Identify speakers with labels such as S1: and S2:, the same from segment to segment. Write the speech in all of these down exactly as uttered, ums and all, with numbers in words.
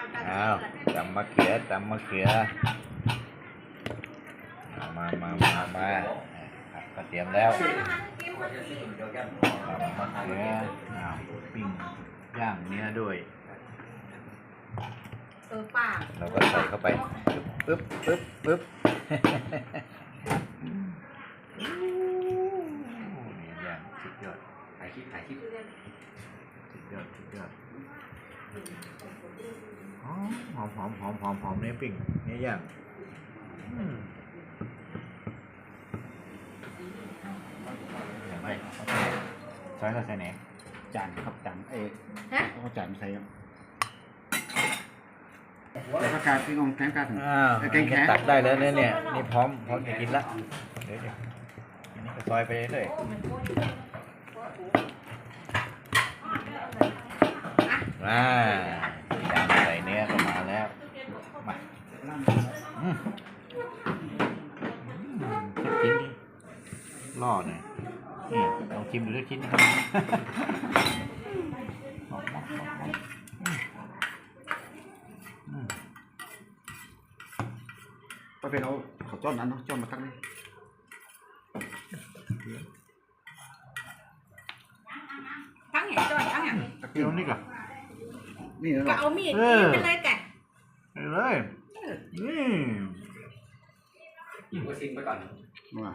S1: อ้าวตำมะเขือตำมะเขือมามามามาก็เตรียมแล้วตำมะเขืออ้าวปิ้งย่างเนื้อด้วย
S2: เออป่า
S1: เราก็ใส่เข้าไปปึ๊บปึ๊บปึ๊บย่างสุดยอดถ่ายคลิปถ่ายคลิปสุดยอดสุดยอดหอมหอมหอมหอมหอมหอมเนื้อปิ้งเนื้อย่างอย่างไรใส่ก็ใส่ไหน
S3: จานครับจานเอ๊ะเขาจานใส่ครับแล้วก็การที่งงแกงกาถึง
S1: แกงแข็งตักได้แล้วเนี่ยเนี่ยนี่พร้อมพร้อมจะกินละเดี๋ยวอันนี้ก็ซอยไปเลยมาใส่เนื้อก็มาแล้วมาอืมชิ้นนี้ล่อหน่อยนี่ลองชิมดูสักชิ้นนะครับ
S3: ก็เป็นเอาขอจ้อนนั้นเนาะจ้อนมาตั้งนี่
S2: ตั้งอย่างจ้อยตั้งอย่าง
S1: ตะเกียบนี่ก่อน
S3: นี่
S2: ก็เอามีดเป็นเลยกัน
S1: เลยนี่
S4: ยิงก็ซิงไปก่อน
S3: มา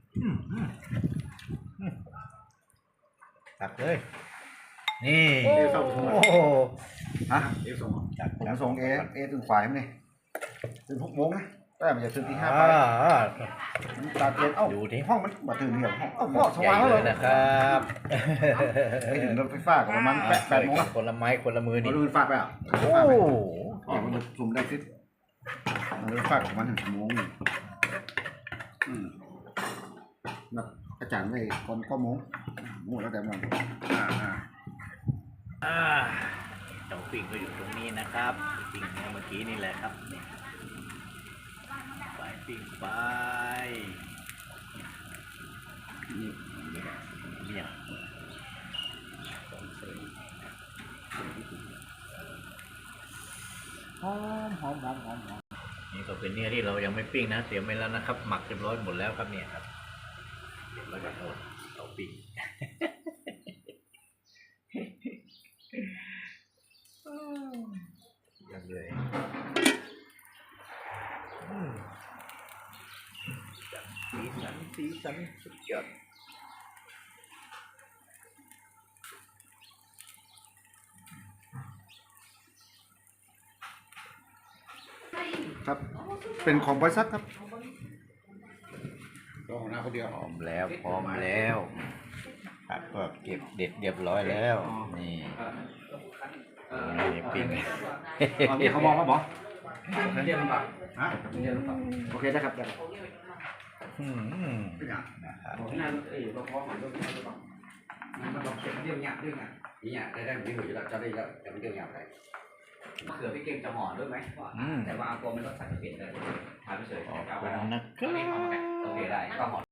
S1: ตักเลยนี่
S3: เอส่งโอ้ฮะเอส่งผมส่งเอเอถึงฝ่ายมั้ยถึงหกโมงนะแต่มันจะถึงที่ห้าไปตาเย็นเอ้าดูที่ห้องมันมาถึงเหี่ยวห้องเอ้าพ่อสว่างแล้ว
S1: นะครับ
S3: ไปถึงรถไฟฟ้ากับประมาณแปดแปดโมง
S1: คนละไม้คนละมือนี่
S3: รถไฟฟ้าไปอ่ะโอ้เดี๋ยวมันจะซุ่มได้ขึ้นรถไฟฟ้าของมันถึงชั่วโมงอืมนักอาจารย์ได้คนก็โมงโมงแล้วแต่มันอ่าอ่า
S1: อ่าเจ้าปิ้งก็อยู่ตรงนี้นะครับปิ้งเมื่อกี้นี่แหละครับไปปิ้งไปนี่เนี่ยหอมหอมหอมหอมหอมนี่ก็เป็นเนื้อที่เรายังไม่ปิ้งนะเตรียมไว้แล้วนะครับหมักเรียบร้อยหมดแล้วครับเนี่ยครับแล้วก็เอาเอาปิ้งยังเลยสีสันสีสันสุดยอด
S3: ครับเป็นของบริษัทครับรอหน้าคนเดียว
S1: พร้อมแล้วพร้อมแล้วครับก็เก็บเด็ดเรียบร้อยแล้วนี่นี่ปิ้ง
S3: นี่เขาบอกว่าบอก
S4: เรียนหรือเปล่า
S3: ฮะเรียนหรือเปล่าโอเคได้ครับได้
S1: อืม
S4: นะครับนั่นเอ้ยเราพอหมันด้วยหรือเปล่ามันต้องเก็บเรื่องหยาบเรื่องหยาบนี่หยาบได้ได้ไม่หนุ่ยแล้วจะได้แล้วแต่มันเรื่องหยาบไปมะเขือพี่เก่งจะห่อด้วยไหมแต่ว่าอาโกมันรสชาติเปลี่ยนเลยทานไม่เฉยเอาไปนะครับโอเคได้ก็ห่อ